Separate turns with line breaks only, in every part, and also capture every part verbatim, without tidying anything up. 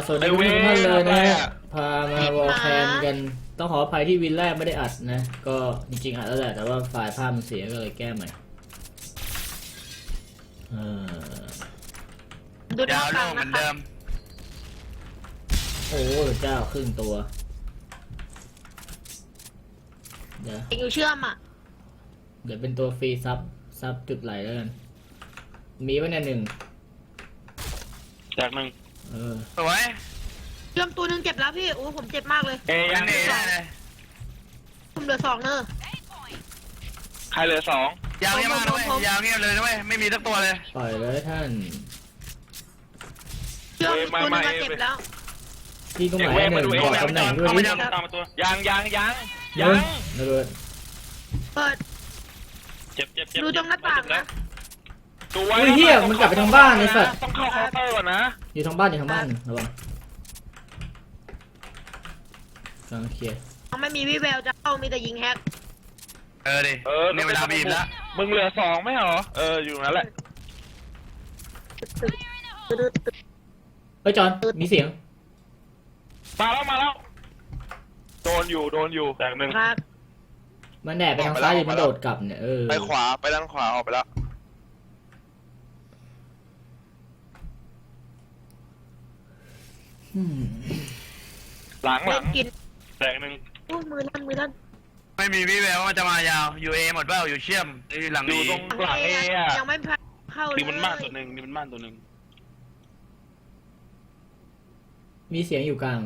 สวัสดีทุกท่านเลยนะฮะพามาวอลแคนกันต้องขออภัยที่วินแรกไม่ได้อัดนะก็จริงๆอัดแล้วแหละแต่ว่าไฟล์ภาพมันเสียก็เลยแก้ใหม่เออ
ดาวโลกเหมือนเดิม
โอ้เจ้าครึ่งตัวเดี๋ยว
เองอยู่เชื่อมอ่ะ
เดี๋ยวเป็นตัวฟรีซับซับจุดไหลแล้วกันมีไว้ในหนึ่ง
จากหนึ่ง
เออ
สวย
เชื่อมตัวหนึงเจ็บแล้วพี่โอ้ผมเจ็บมากเลย
เอ้ยยัง
เน่เลย
ผมเหลือสองเนอะ
ใครเหลือสอง
ยาวเงียบมากด้วยยาวเงียบเลยด้วยไม่มีสักตัวเลย
ปล่อยเลยท่าน
เชื่อมตัวหนึงก็เจ็บแล้ว
ที่ตรงไหนหนึ่งบอกตำแหน่งด้วยดิ
ตามมาตัวยังยังยัง
ยั
ยัง
ระเบิด
เปิด
เจ็บเจ็บเจ็บ
ดูตรงหน้าต่างนะ
ตัว
อุ้ยเฮียมันกลับไปทางบ้านไอ้สัตว์
ต้องเข้าเคาน์เตอร์ก่อนนะ
อยู่ทางบ้านอยู่ทางบ้านระวังกำลังเคลียร์
ยังไม่มีวิแววจะเข้ามีแต่ยิงแฮก
เออดิ
เออ
ในเวลาบีบแล้ว
มึงเหลือสองไม่เหรอเอออยู่นั่นแหละ
เฮ้ยจอนมีเสียง
มาแล้วมาแล้วโดนอยู่โดนอยู่แตกหนึ่ง
ครับ
มันแดดไปทางซ้ายอยู่มันโดดกลับเนี่ยเออ
ไปขวาไปด้านขวาออกไปแล้ว
อืม
หลังห
เล่
ลั
น
ง
กิน
แตกหนึ่ง
โอ้มือลั่นมือลั่น
ไม่มีวิแววว่าจะมายาวอยู่เอหมดเปล่าอยู่เชื่อมหลัง
อยู่
นี้
ตรงหลังเออะ
ยังไม่เข้าเลย
นี่มันบ้านตัวหนึ่งนี่มันบ้านตัวหนึ่ง
มีเสียงอยู่กลาง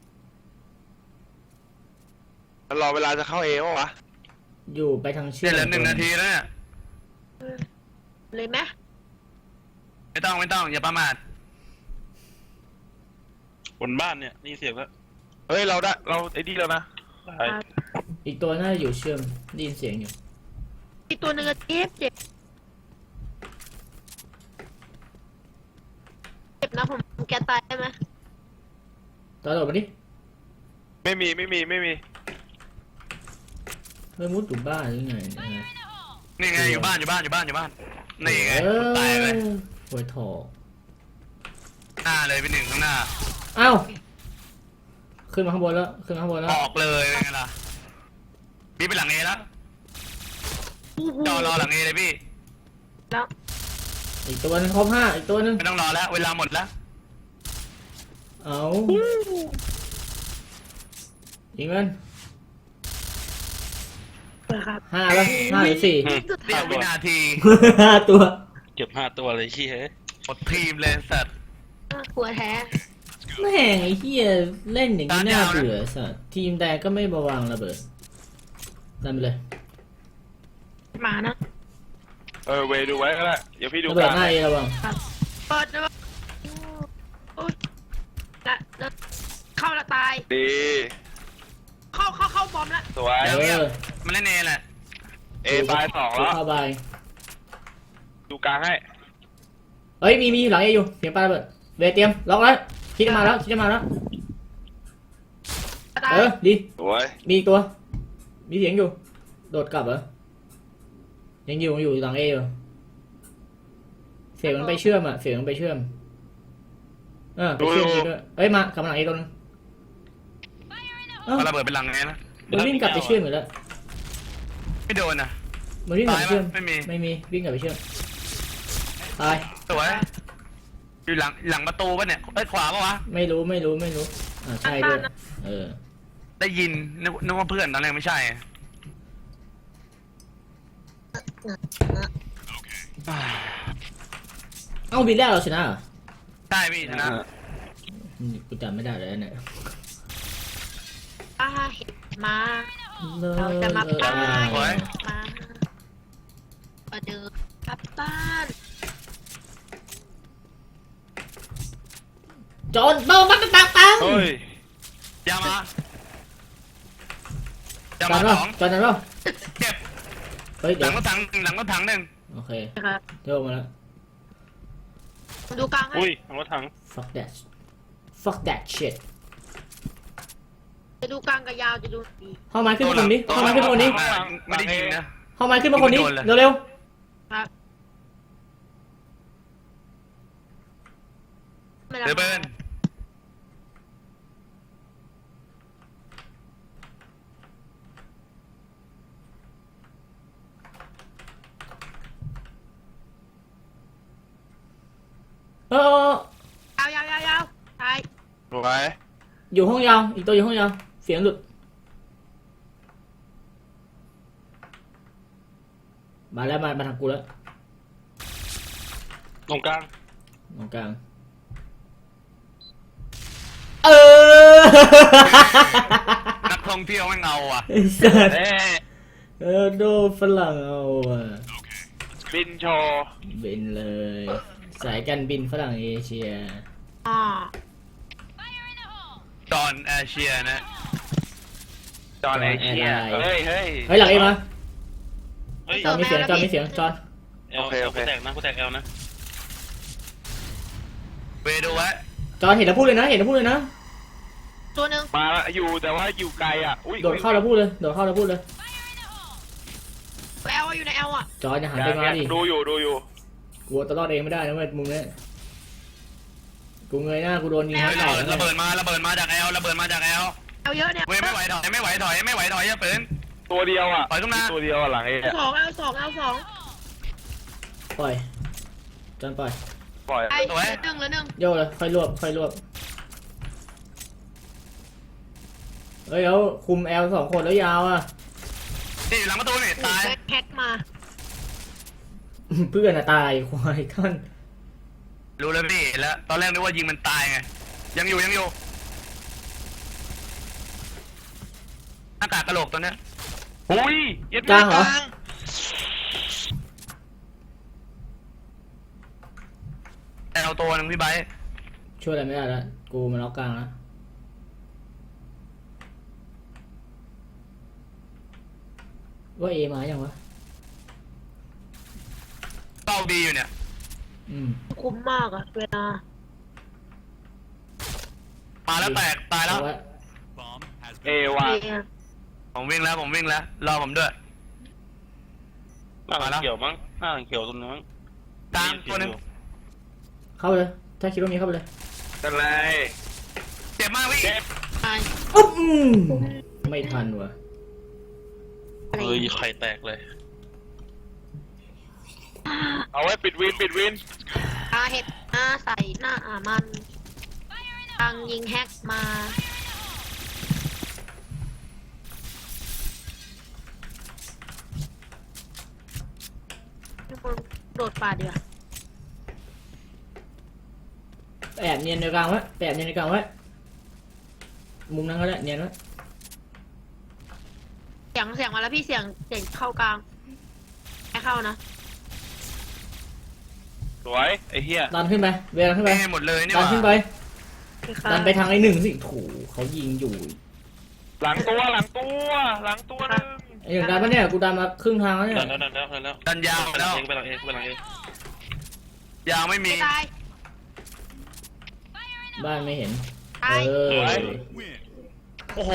มันรอเวลาจะเข้าเอวะวะ
อยู่ไปทางเชื่
เดี๋
อ
ยวเหลือหนึ่งนาทีแล้วเนี่ย
เลยไหม
ไม่ต้องไม่ต้องอย่าประมาท
บนบ้านเนี่ยนี่เสียงแล้วเฮ้ยเราได้เราไอ้นี่แล้วนะได้
อีกตัวน่าจะอยู่เชื่อมได้ยินเสียงอยู่
อีกตัวหนึงก็เจ็บเจ็บเจ็บนะผมแกตายได้ไหม
ตอนโดดมาดิ
ไม่มีไม่มีไม่มี
เฮ้ยมุดอยู่บ้านหรือไงเนี่ย
นี่ไงอยู่บ้านอยู่บ้านอยู่บ้านอยู่บ้านนี่ไง
เออ
ตายเลย
หัวถอ
หน้าเลยเป็นหนึ่งข้างหน้า
อ้าวขึ้นมาข้างบนแล้วขึ้นมาข้างบนแล้ว
ออกเลยเป็นไงล่ะพี่ไปหลังเอแล้วจอรอหลังเอเลยพี่
แล้ว
อีกตัวนึงครบห้าอีกตัวนึง
ไม่ต้องรอแล้วเวลาหมดแล้ว
เอายิงมัน
เปิดครับ
ห้าแล้วห้าหรือสี่
สุด
เดี
ท้า
ยววินาที
ห้าตัว
เก็บห้าตัวเลยขี้เฮ้ย
หมดทีมเลยสัตว์
กลัวแท้
แม่งไอ้เหี้ยเล่นอย่างนี้น่าเบื่อสัสทีมแดงก็ไม่มาวางระเบิดดันไปเลย
มานะ
เออเวดูไว้ก็ได้เดี๋ยวพี่ดู
ระเบิ
ก
ด
ลาง
หน้าเอระวัง
เปิดนะโอ้ยละละเข้าละตาย
ดี
เข้าเข้าเข้าบอมละ
สวย
เออ
มันเล่นเอแหละ
เอตายสองแล้ว
เข้าไป
ดูกลางให้
เอ้ยมีมีหลังเออยู่เสียงปลาระเบิดเวทเตรียมล็อกแล้วคิดจะมาแล้วคิดจะมาแล้ว
ตาย
เออดี
สวย
มีอีกตัว มีเสียงอยู่ โดดกลับเหรอ ยังอยู่ยังอยู่หลังเออยู่เสียงมันไปเชื่อมอ่ะ เสียงมันไปเชื่อม เออไปเชื่อมจริงด้วยเอ้ยมากลับมาหลังเอตัวนึงเอ้า
เอาระเบิดเป็นหลังเอนะ
มันวิ่งกลับไปเชื่อมอยู่แล้ว
ไม่โดนนะ
มันวิ่งกลับไปเชื่อม
ตายปะไม่มี
ไม่มีวิ่งกลับไปเชื่อมตาย
สวยอยู่หลังหลังประตูป่ะเนี่ยเอ้ยขวาป่ะวะ
ไม่รู้ไม่รู้ไม่รู้ อ่าใช่ด้วย เออ
ได้ยินนึกนึกว่าเพื่อนตอนแรกไม่ใช่
เอ้าบินแรกเราชนะเหรอ
ใช่พี่ชนะ
อืมกูจำไม่ได้เลยเนี่ย
ป้าเห็นมาเราจะมาป้า
โอ้ย
มามาเดินกลับบ้าน
จอนเบาบักตักตัง
เฮ้ย
ยามา
จ
ยา
อ
มาน ส
เปล่า
อง
จอนนั้นเปล่า
เจ็บ
เฮ้ย
ห
เดี๋
ลั
ยว
งรถถังหลังรถถังหนึ่ง
โอเค
นะครับ
เดี๋ยวมาแล้ว
ดูกลางให้
อุ้ยทางรถถัง
fuck that fuck that shit
จะดูกลางกับยาวจะดูดี
เข้ามาขึ้นมาคนนี้เข้ามาขึ้นมาคนนี้
ไม่ได้ยิงนะ
เข้ามาขึ้นมาคนนี้
ไม่โดนเลย
เร็ว
ครับไม่
เด
รับ
เบิร์น
เออเออเออย
าวยาวยาวยาวตาย
สวย
อยู่ห้องยาวอีกตัวอยู่ห้องยาวเสียงหลุดมาแล้วมามาทางกูแล้ว
ตรงกลาง
ตรงกลางเออ
นักท่องเที่ยวไม่เงาอ่ะ
ไอ้สัส
เอ๊ะ
เออโดนฝรั่งเอาอ่ะ
บินโชว์
บินเลย สายการบินฝรั่งเอเชีย
อ่า
จอห์นแอร์เชียนะ
จอห์นเอเชีย
จอห์นแอร์ไลน์
เฮ้ยเฮ้ย
เฮ้ยหลังเอมา
เฮ้ย
จอนมีเสียงจอนมีเสียงจอน
เอล
โอเคโอเค
กูแตกนะกูแตกเอลนะ
เวดูไว้
จอนเห็นแล้วพูดเลยนะเห็นแล้วพูดเลยนะ
ตัวหนึ่ง
มาละอยู่แต่ว่าอยู่ไกลอ่ะอุ้ย
โดดเข้าแล้วพูดเลยโดดเข้าแล้วพูดเลย
แอลอยู่ในแอลอ่ะ
จอนอย่าหัน
อ
ไป
ย่าง
มา
เงี้ย
ดิ
ดูอยู่ดูอยู่
กลัวตลอดเองไม่ได้นะเว้ยมุมเนี้ยกูเงยหน้ากูโดนยิง
เฮ้
ทั้
ย
งหลัง
ระเบิดมาระเบิดมาจากแอลระเบิดมาจากแอล
แอลเยอะเนี่ย
เว้ยไม่ไหวถอยไม่ไหวถอยไม่ไหวถอยอย่าปืน
ตัวเดียวอ่ะ
ปล่อยขึ้นมา
ตัวเดียวอะหลังเอ
สองแอลสองแอลสอง
ปล่อยจอนปล่อย
ปล่อย
ไอ้เหลือหนึ่งเหลือหนึ่ง
โยกเลยค่อยรวบค่อยรวบเฮ้ยเอาคุมแอลสองคนแล้วยาวอ่ะ
นี่อยู่หลังประตูนี่ตาย
แพ็คมา
เพื่อนอะตายควายท่าน
รู้แล้วพี่แล้วตอนแรกนึกว่ายิงมันตายไงยังอยู่ยังอยู่หน้ากากกระโหลกตัวเนี้ย
อุ้ยเย็ด
กลางเหรอ
แอลตัวหนึงพี่ไบร์ท
ช่วยอะไรไม่ได้แล้วกูมันล็อกกลางแล้วว่าเอมาอย่างวะ
เป้าดีอยู่เนี่ย
อืม
คุ้มมากอะเวลา
มาแล้วแตกตายแล้ว
เอาไว้
เอว่ะ
เอ
ผมวิ่งแล้วผมวิ่งแล้วรอผมด้วย
หน้าหลังเขียวมั้งหน้าหลังเขียวตรงนั้นมั้ง
ตามตัวหนึง
เข้าไปเลยถ้าคิดว่ามีเข้าไปเลย
กันไร
เจ็บมากพี่
เจ็บ
ตาย
อุ๊บอืมไม่ทันว่ะ
อะไร
เฮ้ยไข่แตกเลย
เอาไว้ปิดวินปิดวิน
อาเห็ดหน้าใส่หน้าอ่ามันทางยิงแฮกมาทุกคนโดดป่าดีกว่า
แอบเนียนในกลางไว้แอบเนียนในกลางไว้มุมนั้นก็ได้เนียนไว้
เสียงเสียงมาแล้วพี่เสียงเสียงเข้ากลางไม่เข้านะ
สวยไอ้เหี้ย
ดันขึ้นไปเวลาขึ้นไป
ไม่หมดเลยนี่ห
ดัน
ว่า
ขึ้นไป
ไม่เข้า
ดันไปทางไอ้หนึ่งสิถูเขายิงอยู่
หลังตัวหลังตัวหลังตัวหนึง
ไอ้หนึ่งดันปะเนี่ยกูดันมาครึ่งทางแล้วเนี่ย
ดันแล้วดันแล้วดันแล้ว
ดันยาว
ไป
แล้
หลั
ว
งเองไปหลังเองไปหลังเอง
ยาวไม่มี
ไม่ตาย
บ้านไม่เห็น
ตาย
เออ
โอ้โห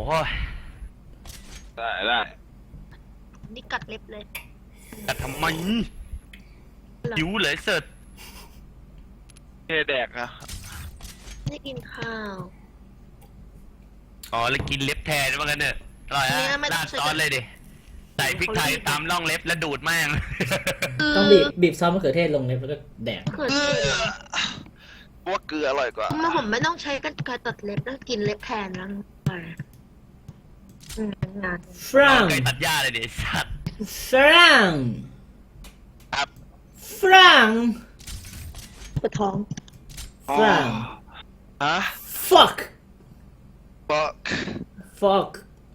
ได้ได้
นี่กัดเล็บเลย
แต่ทำไมหิวเลยเสิร์ช
เทแดกอะ
ไม่กินข้าว
อ๋อแล้วกินเล็บแทนว่างั้นเถอะอร่อย
เนี่
ฮะ
ยไม่ต้
รา
อง
ด
ใช้
ซอสเลยดิใส่พริกไทยตามร่องเล็บแล้วดูดแม่ง
ต้องบีบบีบซอสมะเขือเทศลงเลยแล้วก็แดก
เกิด
ว่าเกลืออร่อยกว่า
มาผมไม่ต้องใช้กันไกรตัดเล็บแล้วกินเล็บแทนแล้วอืมงาน
ฝรั่ง
ไก่ตัดหญ้าเลยดิสัตว์
ฝรั่ง
ครับ
ฝรั่ง
ปวดท้อง
ฝรั่ง
ฮะ
fuck
บอก
fuck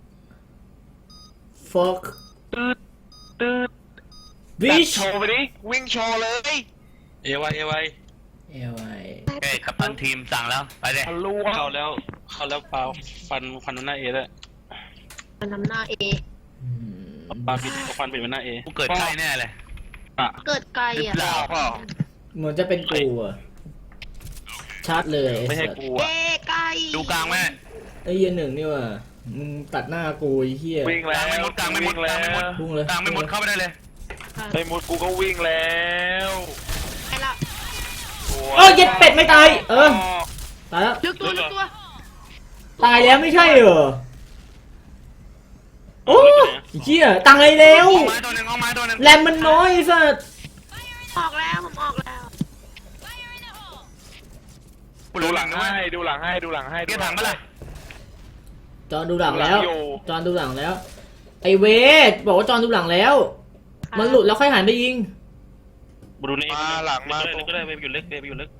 fuck
ตืดตืด
bitch
โชว์ไปดิวิ่งโชว์เลย
เอไวเอไว
เอวไอ
เอ้ยกัปตันทีมสั่งแล้วไปเลย
ทะลุ
เข้าแล้วเข้าแล้วปลาฟันฟันหน้าเอแล้ว
มันนำหน้าเอ
อืม
ปลาปิดเอาฟันปิดไว้หน้าเอ
กูเกิดใกล้แน่เลย
อะ
เกิดไกลอ่ะ
หรือเปล่า
เปล่า
เหมือนจะเป็นกูอ่ะชาร์จเลย
ไม่ใช่
สัตว์
กู
เอ
อะ
ไกล
ดูกลางแม่
ไอ้เหี้ยหนึ่งนี่ว่ะมึงตัดหน้ากูไอ้เหี้ย
วิ่งแล้ว
กลางไม่หมดกลางไม่หมด
วิ่แล้ว
กลางไม่หมด
พุ่งเลย
กลางไม่หมดเข้าไปได้เลย
ไม่หมดกูก็วิ่งแล้ว
ไปละ
เออเย็ดเป็ดไม่ตายเออตายแล้ว
ลึกตัวลึกตัว
ตายแล้วไม่ใช่เหรอโอ้เหี้ยตายแล้ว
เอาไม้ตัวหนึ่งเอาไม้ตัวหนึ่ง
แรมมันน้อยไอ้สัส
ออกแล้วผมออกแล้ว
เหลื
ดู
อ
ห
ห
ลั
ลั
ง
งนะ
ให้ดูหลังให้ดูหลังให้
เกียร์ถังมาเลย
จอนดูหลังแล้ว
อยู่
จอนดูหลังแล้ว ไอเวทบอกว่าจอนดูหลังแล้ว มันหลุดแล้วค่อยหันไปยิง
บรูเน่
มาหลังมา
เล็กก็ได้เวฟอยู่เล็กเวฟอยู่เล็ก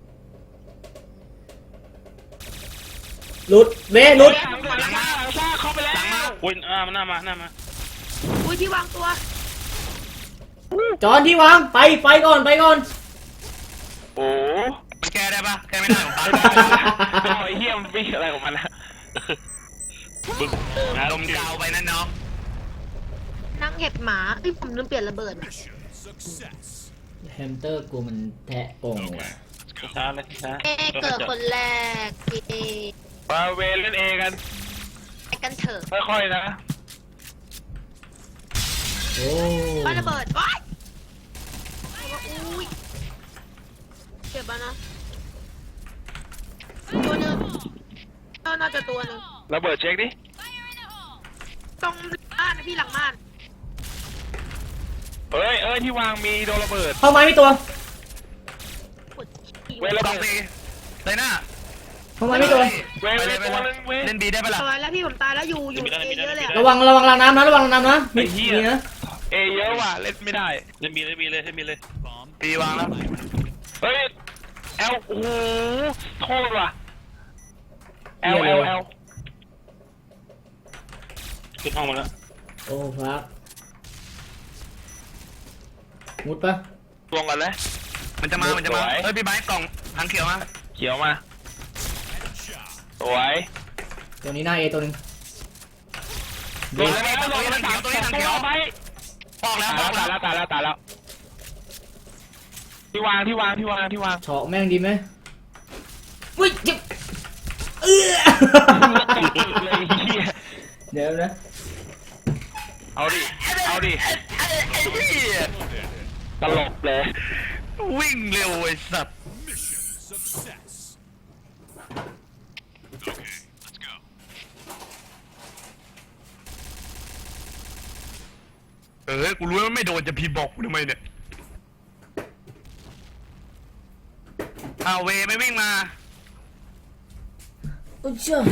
หลุดเวทหลุด
หลังหลังมาหลังซ่าเข้าไปแล้ว
อุ้ยอ่ามันหน้ามาหน้ามา
อุ้ยที่วางตัว
จอนที่วางไปไปก่อนไปก่อน
โอ้
มันแก้ได้ปะแก้ไม่ได้ของปั๊บ
ไอ้เหี้ยมันวิ่งอะไรของมันนะ
บึ้งนะ
ลมกาวไปนั่นน้อง
นั่งเห็บหมาเอ้ยผมลืมเปลี่ยนระเบิดอะ
แฮมสเตอร์กูมันแทะกงว่ะ
ช้าเลยช้า
เอเกิดคนแรกเอ
มาเวรเล่นเอกัน
ไปกันเถอะ
ค่อยๆนะ
โอ้
บ้านระเบิดว้ายอุ้ยเก็บมานะตัวหนึ่งเออน่าจะตัวหนึ่ง
ระเบิดเช็คดิ
ตรงบ้านนะพี่หลังบ้าน
เอ้ยเอ้ยที่วางมีโดนระเบิด
เข้าไม้มีตัว
กดขี่
เวรระ
สอ
เบิ
ง
ด
ตีเลยหน้า
เข้าไม้มีตัว
เวร
ไป
เว
เล
ร
ยไป
ตัว
เล
นึ
ย
งเวร
เล่นบีได้ปะล่ะ
ตายแล้วพี่ผมตายแล้วอยู่อยู่เอเยอะเลยอะ
ระวังระวังรางน้ำนะระวังรางน้ำนะมี
ไอ้เหี้ย
มีนะ
เอเยอะว่ะเล่นไม่ได้
เล่นบีเลยบีเลยเล่นบีเลย
ปีวางแล้ว
เฮ้ยเอลโอ้โหโทษว่ะเอลเอลเอล
ขึ้นห้องมาแล้ว
โอ้ฟักมุดปะ
ลงกันเลย
มันจะมามันจะมาเฮ้ยพี่ไบค์กล่องถังเขียวมา
เขียวมาสวย
ตัวนี้หน้าเอตัวหนึง
ลงแล้วลงแล้วสามตัวตัวไป
ปอกแล้ว
ตาย
ปอ
แล้
ก
วตาย
แล้ว
แล้วตายแล้วตายแล้วที่วางที่วางที่วางที่วาง
เฉาะแม่งดีไหมอุ้ยเจ็บเอื้อ
เลยเหี้ย
เดี๋ยวนะ
เอาดิเอาดิ
ไอ้เหี้ย
ตลกเลย
วิ่งเร็วไอ้สัตว์เออกูรู้ว่าไม่โดนจะพีบอกกูทำไมเนี่ยเอาเวไม่วิ่งมา
อุ้ยเจ้า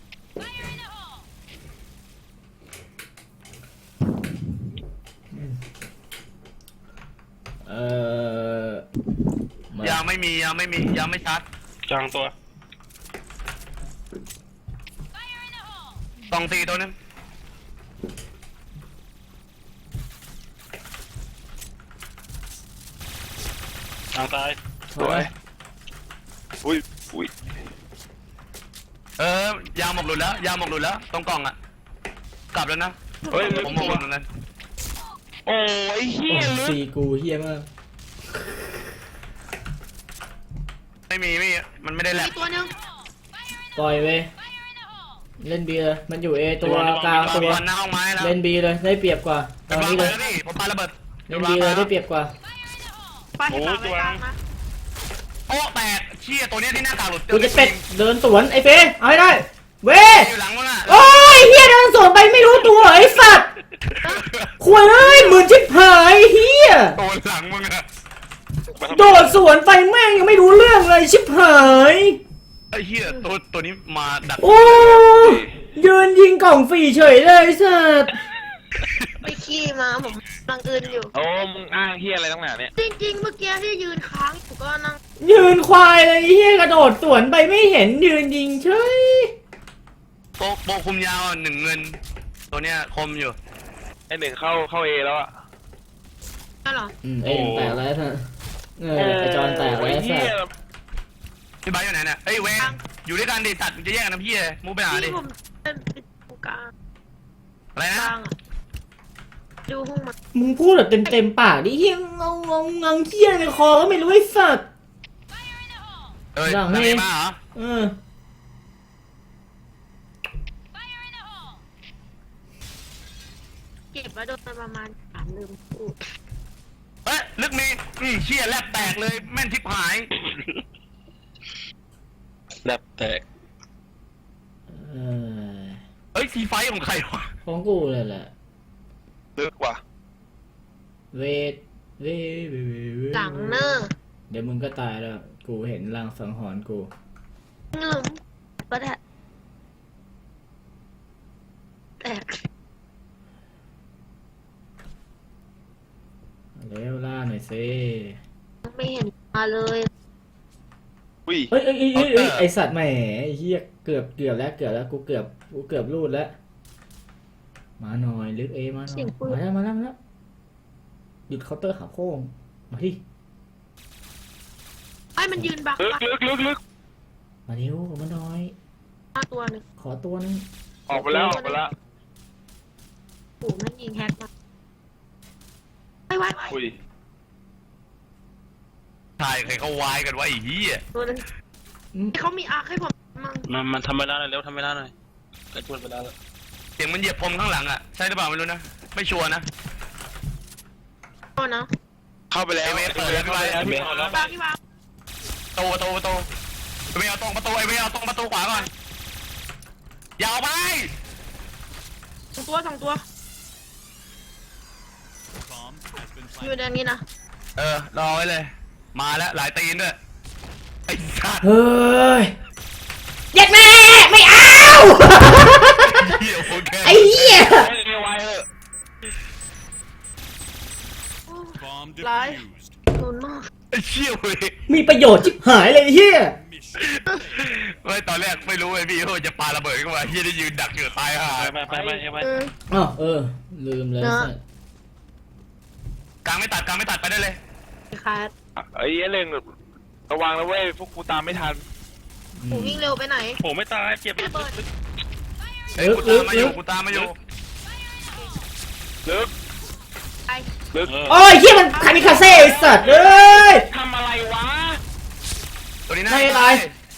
เออมา
ยังไม่มียังไม่มียังไม่ชัด
จางตัว
สองตีตัวนึง
จางตาย
สวย
อุ้ยอุ้ย
เออยางหมกหลุดแล้วยางหมกหลุดแล้วตรงกล่องอ่ะกลับแล้วนะ
เฮ้ย
ผมหมกหลุดแล้วนั้น
โอ้ยเฮี
โอ้
ยลึก
สีกูเฮี้ยมาก
ไม่มีไม่มีมันไม่ได้แหล
มี
ก
ตัวหนึ่ง
ปล่อยเว้ยเล่นบีเลยมันอยู่เอตัวกลาง
ตั
ตัว ว
หน้าห้องไม้แล้ว
เล่นบีเลยได้เปรียบกว่าต
เป็
อน น
วาง
นี้
ไป
เลย
แล้วนี่ผมปาระเบิด
เล่นบีเลยได้เปรียบกว่า
ไปให้ต่อไปกลางนะ
โอ้แตกเชี่ยตัวเนี้ยที่หน้ากากหลุด
กูจะเป็ดเดินสวนไอ้เฟยเอาให้ได้เว้ย
อยู่หลังมึงอ่ะ
โอ้ยเฮียเดินสวนไปไม่รู้ตัวไอ้สัตว์ขวยเอ้ยหมื่นชิบหายเฮีย
ตัวหลังมึงอ่ะ
โดดสวนไปแม่งยังไม่รู้เรื่องเลยชิบหาย
ไอ้เหี้ยตัวตัวนี้มาดัก
โอ้ยืนยิงกล่องฟรีเฉยเลยไอ้สัตว์
ไปขี้มาผมกำลังอื่นอยู่
โอ้มึงอ้างเฮียอะไรตั้งแต่เนี่ย
จริงๆเมื่อกี้ที่ยืนค้างอยู่ก็นั่ง
ยืนควายเลยเฮียกระโดดสวนไปไม่เห็นยืนยิงเฉย
โปโปคุมยาวหนึ่งเงิน ตัวเนี้ยคมอยู่
ไอหนึ่งเข้าเข้าเอแล้วอะ
นั่นเหรอ
อืมเอ็นแตกแล้วท่านเออไอจอนแตกแล้ว
โอ้ย
สั
เฮี
ต
ย
ว์
พี่ไบค์อยู่ไหนเนี่ยเอ้ยเวนอยู่ด้วยกันดิตัดจะแยกกันนะพี่มูไปหาดิ
ที่ผมเป็นตรงกลาง
อะไร
ก
นะ
ลางอะดูห้องมัน
มึงพูดแบบเต็มเต็มๆปากดิเฮียงงงงงงเฮียในคอก็ไม่รู้ไอ้สัตว์
เอ้ย
หลัง
หลัง
นี่
เอมาเหรอ
เออ
เก็บไว้โดนไปประมาณสามลืมพูด
เอ้ยลึกมีอืมเชี่ยแลบแตกเลยแม่นทิพหาย
แลบแตก
เออ
เอ้ยทีไฟของใครวะ
ของกูเลยแหละ
ลึกว่ะ
เวทเวทเวทเวท
หลังเนอร์
เดี๋ยวมึงก็ตายแล้ว กูเห็นลางสังหรณ์กู
ก็ได้แตก
เร็วล่าหน่อยสิ
ไม่เห็นมาเลย
อุ้ย
เฮ้ยเอ้ยเอ้ยเอ้ยเอ้ยไอสัตว์แหมไอ้เหี้ยเกือบเกือบแล้วเกือบแล้วกูเกือบกูเกือบรูดแล้วมาหน่อยลึกเอมาหน่อยมาแล้วมาแล้วมาแล้วหยุดเคาน์เตอร์ขาโค้งมาที่
ไอ้มันยืนบัก
ลึก
บัก
ลึกลึกลึก
มาเร็วมาหน่อย
หน้าตัวหนึง
ขอตัวนึง
ออกไปแล้วออกไปแล้ว
โอ้โหมันยิงแฮกมาไว้ไว้ไว้
อุ้ย
ถ่ายใครเขาวายกันวะไอ้เหี้ย
ตัวหนึง
อืม
เขามีอาร์คให้ผมมั่ง
มันมันทำไม่ได้เร็วทำไม่ได้หน่อยกระชวนไปแล้ว
เสียงมันเหยียบพรมข้างหลังอ่ะใช่หรือเปล่าไม่รู้นะไม่ชัวร์นะ
โอ้นะ
เข้าไปแล้ว
ไอ้เมย์เปิดแล้วพี่ไว้
ไอ้เมย์
บางที่วาง
ประตูประตูประตูไอ้เมย์เอาตรงประตูไอ้เมย์เอาตรงประตูขวาก่อนอย่าเอาไป
สองตัวสองตัวอยู่ในนี้นะ
เออรอไว้เลย มาแล้วหลายตีนด้วยไอ้สัตว์
เฮ้ยเย็ดแม่ไม่เอา
เหี้ยโอเค
ไอ้เหี้ย
ไม่ไหวเลย
โอ้ร้ายโดนมาก
ไอ้เชี่ยเว้ย
มีประโยชน์ชิบหายเลยไอ้เหี้ย
ไม่ตอนแรกไม่รู้ไอ้พี่ว่าจะปาระเบิดเข้ามาเฮียได้ยืนดักอยู่ตายห่า
ไปไปไปไปไป
เออ
อ๋อเออลืมเลย
เนอะ
สัตว์
กลางไม่ตัดกลางไม่ตัดไปได้เลย
ขาด
ไอ้เหี้ยเล่งระวังนะเว้ยพวกกูตามไม่ทัน
อื
ผม
ม
วิ่งเร็วไปไหน
โหไม่ตายเจ็บ
ระเบิด
เฮ้ยกูตามมาอยู่กูตามมาอยู่
ลึก
ไอ้
ลึก
โอ้ยเหี้ยมันคามิคาเซ่ไอ้สัตว์เอ้ย
ทำอะไรวะ
ตัวนี้น่า
ไม่
จะ
ไร
ตา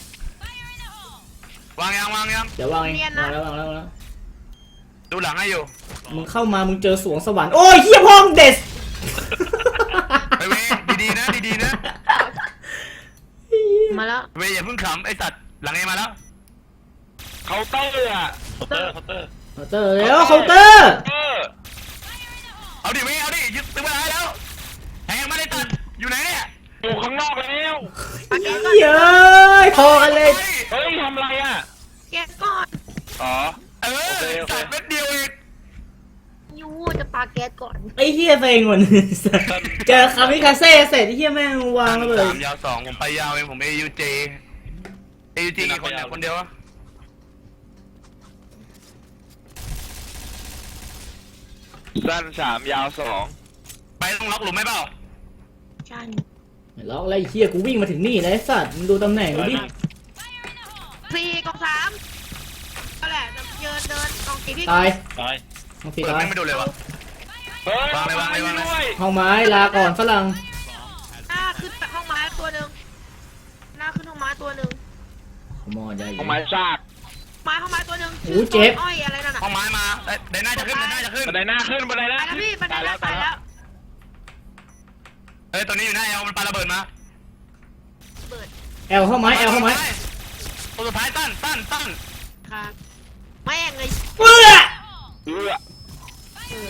ยวางยังวางยัง
เดี๋ยววางเองวางแล้ววางแล้ววางแล้ว
ดูหลังให้อยู่
มึงเข้ามามึงเจอสวงสวรรค์โอ้ยเหี้ยพ่อมึงเด็ด
ไปเว้ยดีๆนะดีๆนะ
มาแล้ว
เว้ยอย่าเพิ่งขำไอ้สัตว์หลังเอมาแล้ว
เคาน์เตอร์อะเคาน์เตอร์เคาน์เตอร์
เคาน์เตอร์แล้วเคาน์เตอร์
เออ
เอาดิเว้ยเอาดิยึดตึงเวลาให้แล้วแทงมาได้ตัดอยู่ไหนเนี่ย
อยู่ข้างนอกแล้ว
เหี้ยเอ้ยพอกันเลย
เฮ้ยทำอะไรอ่ะ
แกะก่อน
อ๋อ
เออ
โอเคโอเค
ตัดเม็ดเดียวเอง
ยูจะปาแก๊สก่อน
ไอ้เหี้ยเซ็งหมดเจอคามิคาเซ่เสร็จไอ้เหี้ยแม่งวางระเบิด
สามยาวสองผมไปยาวเองผมเอยูเจเอยูจีกี่คนเนี่ยคนเดียววะ
สั้นสามยาวสอง
ไปต้องล็อกหลุมไหมเปล่า
ใช่
ล็อกอะไรไอ้เหี้ยกูวิ่งมาถึงนี่แล้วไอ้สัตว์มึงดูตำแหน่งกูดิ
สี่กองสามก็แหละจะเดินเดินกองสี่พี่
ตาย
ตาย
มึงสี
เปิด
ตาย
ไม่ไม่ดูเลยวะ
เฮ้ยว
างเลยวางเลยวางเลย
ด้วย
ห้องไม้ลาก่อนฝรั่ง
หน้าขึ้นห้องไม้ตัวหนึ่งหน้าขึ้นห้องไม้ตัวหนึ่ง
มอได้
เอาไม้ซาก
ไม้ห้องไม้ตัวหนึ่ง
โอ้เจ็บ
อ้อยอะไรนั่นน่ะ
ห้องไม้มาเอ้ยเดินหน้าจะขึ้นเดินหน้าจะขึ้น
บันไดหน้าขึ้นบันไดหน้า
ไปแล้วพี่บันได
ตาย
แล้
แล้ว ว
ไป
ตาย
แล้
แล้ว ว
เฮ้ยตัวนี้อยู่หน้าเอลมันปาระเบิดมา
เปิด
แอลเข้าไม้แอลเข้าไม้
ตัวสุดท้ายตั้นตั้นตั้น
ครับแม่งเลย
เปื้อ
เอื้อ
เออ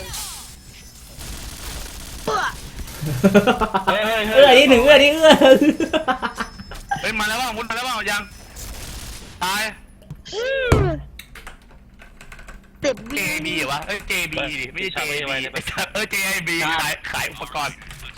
เปื่อ
เฮ้ยเฮ้ย
เอื้อนี่หนึ่งเอื้อนี่เอื้อ
เฮ้ยมาแล้วว่ามุดมาแล้วว่ายังตาย
เต็บ
เจ
วิ่ง
บีเหรอวะเอ้ยเจบีดิไม่ใช่เจบีเออเจไอบีขายขายอุปกรณ์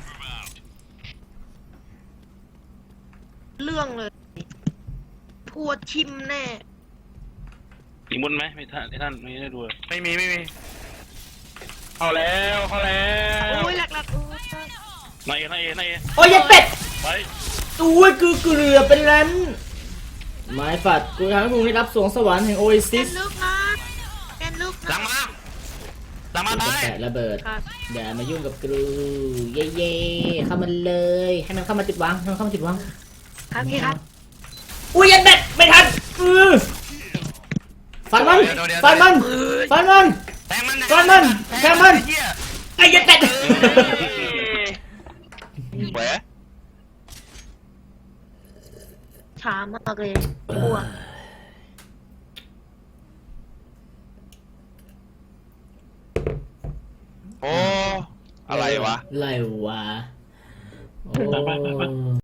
เรื่องเลยทัวชิมแน่
มีมุนไหมไม่ท่านไม่ท่านไม่ได้ดูเลย
ไม่มีไม่มี
เข้าแล้วเข้าแล้ว
โอ้ยหลักหลักๆโอ้ย
นายเอนายเอนายเอ
โอ้ยยัดเป็ด
ไป
อุ้ยกูเกลือเป็นล้านไม้ฝัดกูทำให้มึงได้รับสวงสวรรค์แห่งโอเอซิ
เล่
ส
นลึกนะเล่นลึก
หลั
นะ
งมาหลังมาตาย
แตะระเบิด
ครับ
อย่ามายุ่งกับกูเย่เย่เข้ามาเลยให้มันเข้ามาจุดวางให้มันเข้ามาจุดวาง
ครับพี่ครับ
อุ้ยยัดเป็ดไม่ทันอือฟันมันฟันมันฟันมัน
แทงมัน
ฟันมันแทงมัน
เหี้ย
ไอ้ยัดเป็ด
แหวะ
ช้ามากเลยกลัว
โอ้อะไรวะ
อะไรวะโอ้